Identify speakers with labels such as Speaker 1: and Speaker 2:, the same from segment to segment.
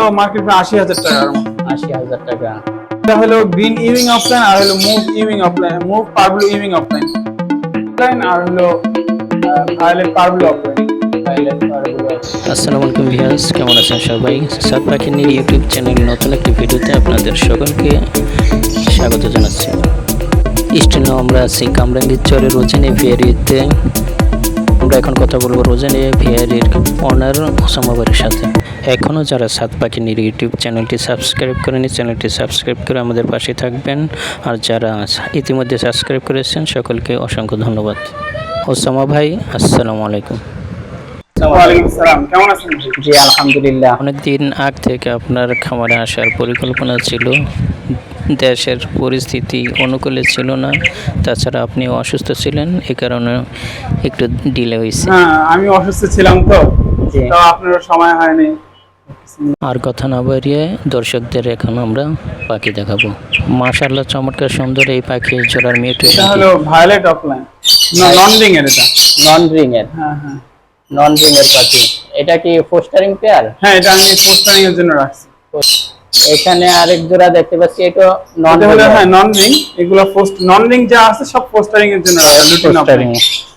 Speaker 1: Market ৮০,০০০ টাকার মতো।
Speaker 2: ৮০,০০০ টাকা।
Speaker 1: এটা হলো গ্রিন ইভিং অফলাইন আর হলো mauve Euwing opaline, mauve parblue Euwing opaline আর হলো ভায়োলেট পারব্লু অফলাইন।
Speaker 2: আসসালামু আলাইকুম ভিউয়ার্স, কেমন আছেন সবাই? সাত পাখিনীর ইউটিউব চ্যানেল নতুন একটি ভিডিওতে আপনাদের সকলকে স্বাগত জানাচ্ছি। স্টেনে আমরা আছি কামরাঙ্গীর চরের রোজেনে ভিয়ারিতে। আমরা এখন কথা বলবো রোজেনে ভিয়ারির অনার ওসামা ভাইয়ের সাথে। এখনও যারা সাত পাখিনীর ইউটিউব চ্যানেলটি সাবস্ক্রাইব করেনি, চ্যানেলটি সাবস্ক্রাইব করে আমাদের পাশে থাকবেন। আর যারা ইতিমধ্যে সাবস্ক্রাইব করেছেন সকলকে অসংখ্য ধন্যবাদ। ওসামা ভাই, আসসালামু আলাইকুম।
Speaker 1: ওয়ালাইকুম আসসালাম, কেমন আছেন?
Speaker 2: জি আলহামদুলিল্লাহ। অনেকদিন আগ থেকে আপনার খামারে আসার পরিকল্পনা ছিল, দেশের পরিস্থিতি অনুকূলে ছিল না, তাছাড়া আপনিও অসুস্থ ছিলেন, এই কারণে একটু ডিলে হয়েছে।
Speaker 1: হ্যাঁ, আমি অসুস্থ ছিলাম তো আপনার সময় হয়নি।
Speaker 2: আর কথা না বাড়িয়ে দর্শকদের এখন আমরা পাখি দেখাবো। মাশাআল্লাহ, চমৎকার সুন্দর এই পাখি জোড়ার মিউটেশন।
Speaker 1: এটা হলো ভায়োলেট অফলাইন, নন রিং এর। এটা
Speaker 2: নন রিং এর।
Speaker 1: হ্যাঁ হ্যাঁ,
Speaker 2: নন রিং এর পাখি। এটা কি ফোস্টারিং পেয়ার?
Speaker 1: হ্যাঁ, এটা আমি পোস্টারিং এর জন্য রাখছি।
Speaker 2: এখানে আরেক জোড়া দেখতে পাচ্ছি, এটা নন
Speaker 1: রিং। হ্যাঁ, নন রিং। এগুলো পোস্ট নন রিং যা আছে সব পোস্টারিং এর জন্য রাখা, লুটিন অফলাইন।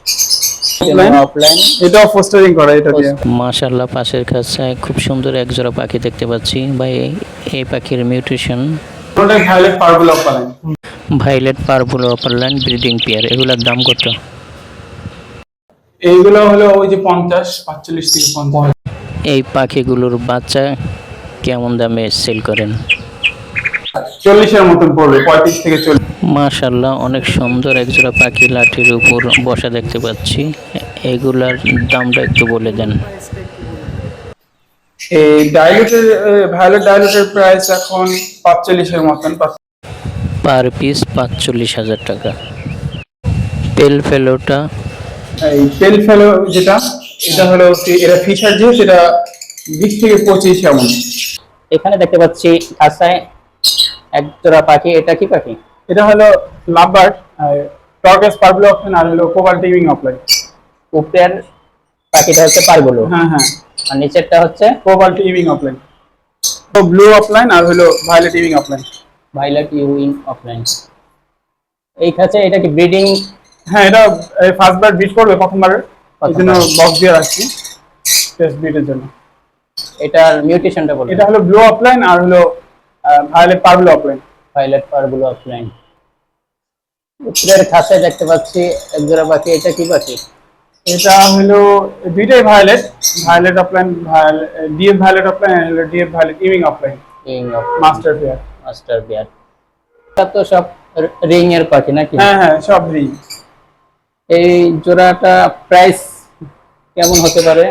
Speaker 1: এটাও পোস্টারিং করা এটা দিয়ে।
Speaker 2: মাশাআল্লাহ, পাশের কাছে খুব সুন্দর এক জোড়া পাখি দেখতে পাচ্ছি ভাই। এই পাখির মিউটেশন
Speaker 1: ওটা violet purple opaline.
Speaker 2: Violet purple opaline breeding pair. এগুলোর দাম কত?
Speaker 1: এইগুলো হলো ওই যে 45 থেকে 50।
Speaker 2: এই পাখিগুলোর বাচ্চা কেমন দামে সেল করেন?
Speaker 1: 40 এর মতন পড়বে, 35 থেকে 40।
Speaker 2: মাশাআল্লাহ, অনেক সুন্দর এক জোড়া পাখি লাঠির উপর বসা দেখতে পাচ্ছি। এগুলার দামটা একটু বলে দেন।
Speaker 1: এই ডাইলুটের ভায়োলেট ডাইলুটের প্রাইস এখন 45 এর মতন,
Speaker 2: পার পিস 45,000 টাকা। পেল ফেলোটা,
Speaker 1: এই পেল ফেলো যেটা, এটা হলো এটা ফিশার, যেহেতু এটা 20 থেকে 25 এমন।
Speaker 2: এখানে দেখতে পাচ্ছি খাঁচায় এক জোড়া পাখি। এটা কি পাখি?
Speaker 1: এটা হলো লাভবার্ড, টর্কেস পার্পল অফলাইন আর হলো কোবাল্ট ইভিং অফলাইন।
Speaker 2: উপরের পাখিটা হচ্ছে পারগুলো,
Speaker 1: হ্যাঁ হ্যাঁ,
Speaker 2: আর নিচেরটা হচ্ছে
Speaker 1: কোবাল্ট ইভিং অফলাইন। তো ব্লু অফলাইন আর হলো violet Euwing opaline.
Speaker 2: Violet Euwing opaline. এই খাঁচায় এটা কি ব্রিডিং?
Speaker 1: হ্যাঁ, এটা ফার্স্ট বার ব্রিড করবে প্রথমবার, এই জন্য বক্স দিয়ে রাখছি টেস্ট ব্রিডের জন্য।
Speaker 2: এটার মিউটেশনটা বলুন।
Speaker 1: এটা হলো ব্লু অফলাইন আর হলো violet purple opaline.
Speaker 2: Violet purple opaline. উপরের খাঁচায় দেখতে পাচ্ছি এক জোড়া পাখি। এটা কি পাখি?
Speaker 1: এটা হলো দুইটাই violet, violet opaline, DF violet opaline আর হলো DF violet Euwing opaline master pair.
Speaker 2: Master pair. এটা তো সব রিং এর পাখি নাকি?
Speaker 1: হ্যাঁ হ্যাঁ, সব রিং।
Speaker 2: এই জোড়াটা প্রাইস কেমন হতে পারে?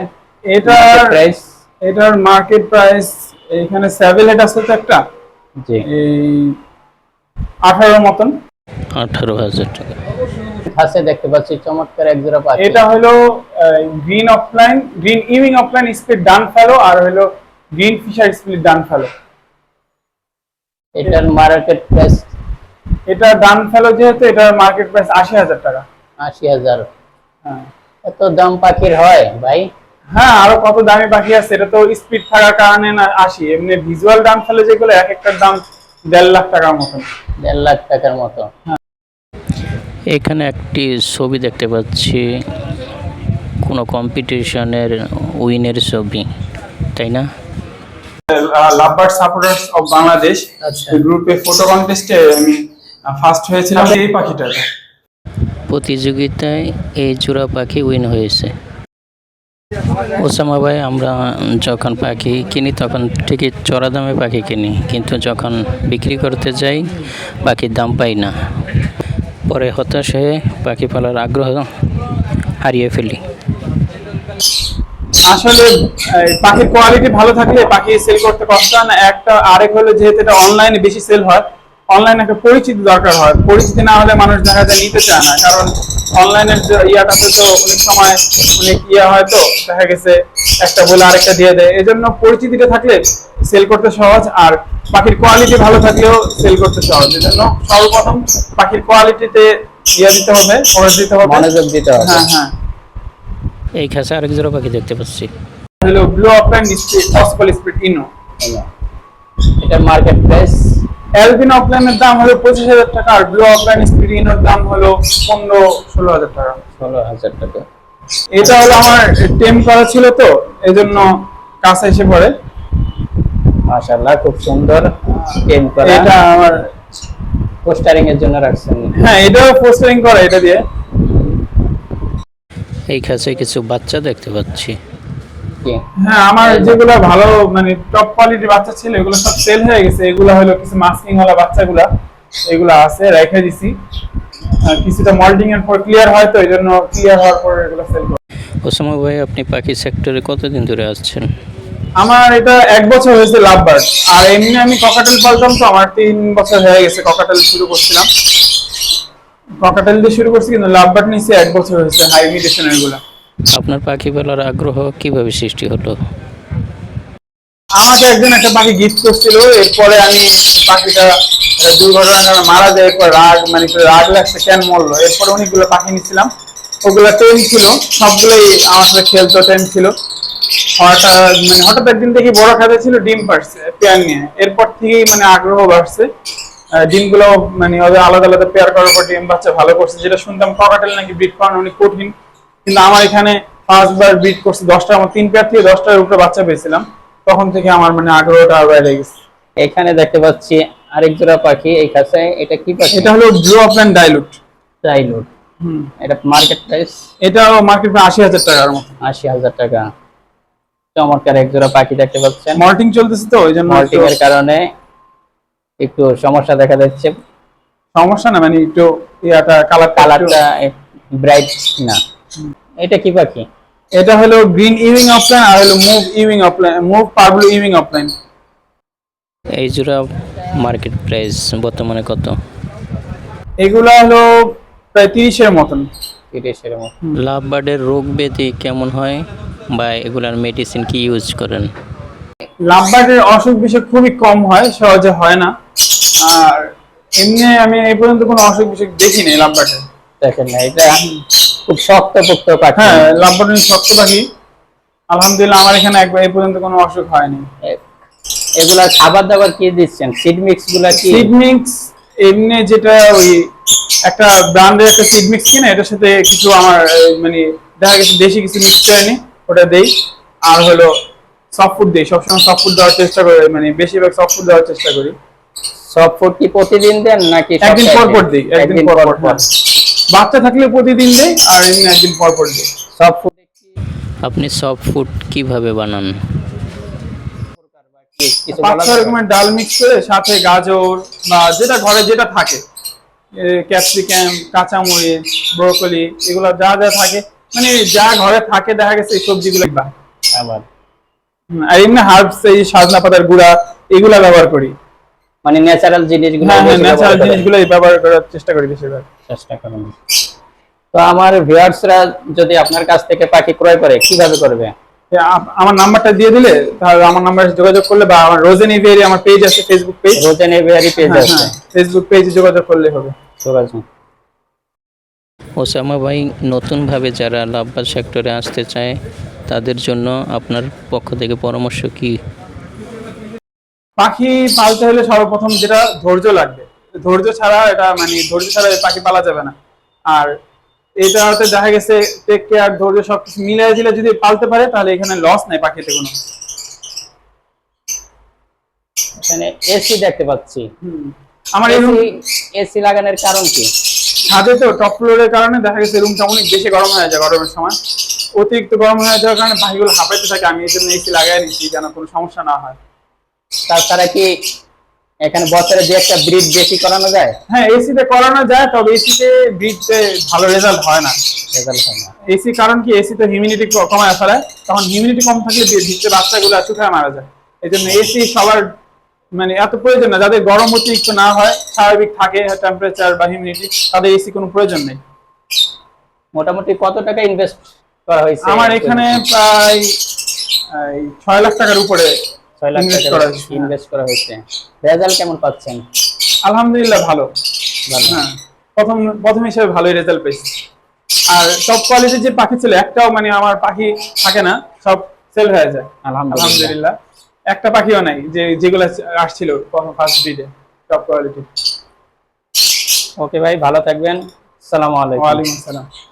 Speaker 1: এটার মার্কেট প্রাইস এখানে 7 হেড আছে তো একটা,
Speaker 2: জি,
Speaker 1: এই 18 মতন।
Speaker 2: 18,000 টাকা। কাছে দেখতে পাচ্ছি চমৎকার এক জোড়া পাখি।
Speaker 1: এটা হলো green opaline, green Euwing opaline split dun fallow আর হলো green fisher split dun fallow.
Speaker 2: এটার মার্কেট প্রাইস?
Speaker 1: এটা ডান ফেলো যেহেতু এটার মার্কেট প্রাইস 80,000 টাকা।
Speaker 2: 80,000?
Speaker 1: হ্যাঁ,
Speaker 2: এত দাম পাখির হয় ভাই?
Speaker 1: হ্যাঁ, আরো কত দামি পাখি আছে, এটা তো স্পিড থাকার কারণে না 80। এমনি ভিজুয়াল দাম ফেলে যেগুলো এক একটার দাম 1.5 লাখ টাকার মতো।
Speaker 2: 1.5 লাখ টাকার মতো। এখানে একটি ছবি দেখতে পাচ্ছি, কোনো কম্পিটিশনের উইনের ছবি, তাই না?
Speaker 1: লাভবার্ড সাপোর্টার্স অফ বাংলাদেশ গ্রুপে ফটো কন্টেস্টে আমি ফার্স্ট হয়েছিলাম। এই পাখিটা
Speaker 2: প্রতিযোগিতায় এই জোড়া পাখি উইন হয়েছে। ওসামা ভাই, আমরা যখন পাখি কিনি তখন ঠিকই চড়া দামে পাখি কিনি, কিন্তু যখন বিক্রি করতে যাই পাখির দাম পাই না। পরে হতাশ হয়ে পাখি পালার আগ্রহ হারিয়ে ফেলি।
Speaker 1: আসলে পাখির কোয়ালিটি ভালো থাকলে পাখি সেল করতে কষ্ট হয় না একটা। আরেক হলো যেহেতু এটা অনলাইনে বেশি সেল হয়, অনলাইনে একটা পরিচিতি দরকার হয়। পরিচিতি না হলে মানুষ দেখা যায় নিতে চায় না, কারণ অনলাইনের ইয়াটাতে তো অনেক সময় অনেক হয়, তো দেখা গেছে একটা বলে আরেকটা দিয়ে দেয়। এজন্য পরিচিতিটা থাকলে সেল করতে সহজ, আর পাখির কোয়ালিটি ভালো থাকলেও সেল করতে সহজ। এজন্য সর্বপ্রথম পাখির কোয়ালিটিতে দিতে হবে, ফোকাস দিতে হবে,
Speaker 2: মনোযোগ দিতে হবে।
Speaker 1: হ্যাঁ হ্যাঁ।
Speaker 2: এই খাঁচা আরেক জোড়া পাখি দেখতে পাচ্ছি।
Speaker 1: হলো blue opaline speed possible speed ino.
Speaker 2: এটার মার্কেট প্রাইস
Speaker 1: অ্যালবিনো অফলাইনের দাম হলো 25,000 টাকা, আর ব্লু অফলাইন স্পিরিনের দাম হলো 15-16,000 টাকা।
Speaker 2: 16,000 টাকা।
Speaker 1: এটা হলো আমার টেম করা ছিল তো, এই জন্য কাছে এসে পড়ে।
Speaker 2: মাশাআল্লাহ, খুব সুন্দর টেম করা।
Speaker 1: এটা আমার
Speaker 2: পোস্টারিং এর জন্য রাখছেন?
Speaker 1: হ্যাঁ, এটাও পোস্টারিং করা এটা দিয়ে।
Speaker 2: এই খাঁচায় কিছু বাচ্চা দেখতে পাচ্ছি।
Speaker 1: হ্যাঁ, আমার যেগুলো ভালো মানে টপ কোয়ালিটির বাচ্চা ছিল এগুলো সব সেল হয়ে গেছে। এগুলো হলো কিছু মাস্কিং ওয়ালা বাচ্চাগুলা, এগুলো আছে রেখে দিছি। কিছুটা মল্টিং এর পর ক্লিয়ার হয়, তো এই জন্য ক্লিয়ার হওয়ার পর এগুলো সেল করি।
Speaker 2: ওসামা ভাই, আপনি পাখি সেক্টরে কতদিন ধরে আসছেন?
Speaker 1: আমার এটা 1 বছর হয়েছে লাভ বার্ড, আর এমনি আমি ককাটেল পালতাম, তো আমার 3 বছর হয়ে গেছে। ককাটেল শুরু করছিলাম, ককাটেল দিয়ে শুরু করছি, কিন্তু লাভ বার্ড নিয়েছি 1 বছর হয়েছে হাই মিউটেশনের গুলা।
Speaker 2: আপনার পাখি পালার আগ্রহ কিভাবে সৃষ্টি হলো?
Speaker 1: আমাকে একজন একটা পাখি গিফট করছিল, এরপরে আমি পাখিটা একটা দুর্ঘটনার কারণে মারা যায়। এরপর রাগ লাগছে কেন মরলো। এরপরে অনেকগুলো পাখি নিচ্ছিলাম, ওগুলো টেম ছিল, সবগুলোই আমার সাথে খেলতো, টেম ছিল। হঠাৎ একদিন দেখি বড় খাতে ছিল, ডিম পারছে পেয়ার নিয়ে। এরপর থেকেই আগ্রহ বাড়ছে। ডিমগুলো ওদের আলাদা আলাদা পেয়ার করার পর ডিম বাচ্চা ভালো করছে। যেটা শুনতাম ককাটেল নাকি ব্রিড করানো অনেক কঠিন, কিন্তু আমার এখানে 5 বার ব্রিড করছে 10টা, আমার 3 পেয়ার থেকে 10টার উপরে বাচ্চা পেয়েছিলাম। তখন থেকে আমার আগ্রহটা বেড়ে গেছে।
Speaker 2: এখানে দেখতে পাচ্ছি আরেক জোড়া পাখি এই খাঁচায়। এটা কি পাখি?
Speaker 1: এটা হলো ব্লু অফলাইন ডাইলুট।
Speaker 2: ডাইলুট। এটা মার্কেট প্রাইস?
Speaker 1: এটাও মার্কেট প্রাইস 80,000 টাকার মতো।
Speaker 2: 80,000 টাকা। চমৎকার এক জোড়া পাখি দেখতে পাচ্ছেন।
Speaker 1: মল্টিং চলতেছে, তো ওই জন্য
Speaker 2: মল্টিং এর কারণে একটু সমস্যা দেখা যাচ্ছে।
Speaker 1: সমস্যা না, একটু
Speaker 2: কালারটা ব্রাইট না। এটা কি পাখি?
Speaker 1: এটা হলো গ্রিন ইউইং অফলাইন, আর হলো mauve Euwing opaline, mauve parblue Euwing opaline.
Speaker 2: এই জোড়া মার্কেট প্রাইস বর্তমানে কত?
Speaker 1: এগুলা হলো প্রায় 30-এর মতন।
Speaker 2: 30-এর মতো। লাভ বার্ডের রোগ ব্যাধি কেমন হয়, বা এগুলার মেডিসিন কি ইউজ করেন?
Speaker 1: লাভ বার্ডের অসুখ বিসুখ খুবই কম হয়, সহজে হয় না। আর এমনি আমি এই পর্যন্ত কোনো অসুখ বিসুখ দেখিনি লাভ বার্ডের।
Speaker 2: দেখেন না, এটা খুব শক্তপোক্ত পাখি।
Speaker 1: হ্যাঁ, লাভ বার্ড শক্ত পাখি। আলহামদুলিল্লাহ, আমার এখানে একবার এই পর্যন্ত কোনো অসুখ হয়নি।
Speaker 2: এগুলা খাবার দাবার কি দিচ্ছেন? সিড মিক্স গুলা কি?
Speaker 1: সিড মিক্স এমনি যেটা ওই একটা ব্র্যান্ডের একটা সিড মিক্স কিনে, এটার সাথে কিছু আমার দেখা গেছে দেশি কিছু মিক্স করে নি, ওটা দেই। আর হলো সফট ফুড দেই, সবসময় সফট ফুড দেওয়ার চেষ্টা করি, বেশিরভাগ সফট ফুড দেওয়ার চেষ্টা করি।
Speaker 2: সফট ফুড কি প্রতিদিন দেন নাকি
Speaker 1: একদিন পর পর দিই? একদিন পর পর। বাচ্চা থাকলে প্রতিদিন দেই, আর এমনি একদিন পর পর দিই।
Speaker 2: Soft food. আপনি সফট ফুড কিভাবে বানান?
Speaker 1: 5-6 রকমের ডাল মিক্স করে, সাথে গাজর বা যেটা ঘরে যেটা থাকে, ক্যাপসিকাম, কাঁচামরিচ, ব্রোকলি, এগুলো যা যা থাকে, যা ঘরে থাকে, দেখা গেছে এই সবজিগুলো
Speaker 2: আবার
Speaker 1: আর এমনি হার্বস, এই সজনা পাতার গুঁড়া, এগুলা ব্যবহার করি।
Speaker 2: ন্যাচারাল জিনিসগুলো।
Speaker 1: হ্যাঁ, ন্যাচারাল জিনিসগুলোই ব্যবহার করার চেষ্টা করি বেশিরভাগ।
Speaker 2: চেষ্টা করেন। তো আমার ভিউয়ার্সরা যদি আপনার কাছ থেকে পাখি ক্রয় করে কিভাবে করবে?
Speaker 1: আমার নাম্বারটা দিয়ে দিলে, তাহলে আমার নাম্বারে যোগাযোগ করলে, বা আমার রোজেন এভিয়ারি আমার পেজ আছে, Facebook page,
Speaker 2: Rozen aviary page আছে,
Speaker 1: ফেসবুক পেজে যোগাযোগ করলে হবে।
Speaker 2: ওসামা ভাই, নতুন ভাবে যারা লাভবার্ড সেক্টরে আসতে চায় তাদের জন্য আপনার পক্ষ থেকে পরামর্শ কি?
Speaker 1: পাখি পালতে হলে সর্বপ্রথম যেটা ধৈর্য লাগবে। ধৈর্য ছাড়া ধৈর্য ছাড়া পাখি পালা যাবে না। আর এটাতে দেখা গেছে টেক কেয়ার, ধৈর্য সবকিছু মিলিয়ে দিলে যদি পালতে পারে, তাহলে এখানে লস নাই পাখিতে কোনো।
Speaker 2: এখানে এসি দেখতে পাচ্ছি।
Speaker 1: আমার
Speaker 2: এসি লাগানোর কারণ কি?
Speaker 1: ছাদে তো টপ ফ্লোরের কারণে দেখা গেছে রুমটা অনেক বেশি গরম হয়ে যায়। গরমের সময় অতিরিক্ত গরম হয়ে যাওয়ার কারণে পাখিগুলো হাঁপাইতে থাকে। আমি এই জন্য এসি লাগাই নিচ্ছি, যেন কোনো সমস্যা না হয়।
Speaker 2: তাছাড়া কি এখানে বছরে যে একটা ব্রিড বেশি করানো যায়?
Speaker 1: হ্যাঁ, এসিতে করানো যায়, তবে এসিতে ব্রিডে ভালো রেজাল্ট হয় না। এসি কারণ কি, এসিতে হিউমিডিটি কমায় ফেলে, তখন হিউমিডিটি কম থাকলে ভিতরে বাচ্চাগুলো শুকায় মারা যায়। এই জন্য এসি সবার এত প্রয়োজন না। যাদের গরম অতিরিক্ত না হয়, স্বাভাবিক থাকে টেম্পারেচার বা হিউমিডিটি, তাদের এসি কোনো প্রয়োজন নেই।
Speaker 2: মোটামুটি কত টাকা ইনভেস্ট করা হয়েছে?
Speaker 1: আমার এখানে প্রায় 6 লাখ টাকার উপরে
Speaker 2: 6 লাখ টাকা ইনভেস্ট করা হয়েছে। রেজাল্ট কেমন পাচ্ছেন?
Speaker 1: আলহামদুলিল্লাহ, ভালো। হ্যাঁ, প্রথম হিসেবে ভালোই রেজাল্ট পেয়েছি। আর টপ কোয়ালিটির যে পাখি ছিল, একটাও আমার পাখি থাকে না, সব সেল হয়ে যায় আলহামদুলিল্লাহ। একটা পাখিও নাই যেগুলো আসছিল ফার্স্ট ব্রিডে টপ কোয়ালিটি।
Speaker 3: ওকে ভাই, ভালো থাকবেন। আসসালামু আলাইকুম।
Speaker 1: ওয়ালাইকুম আসসালাম।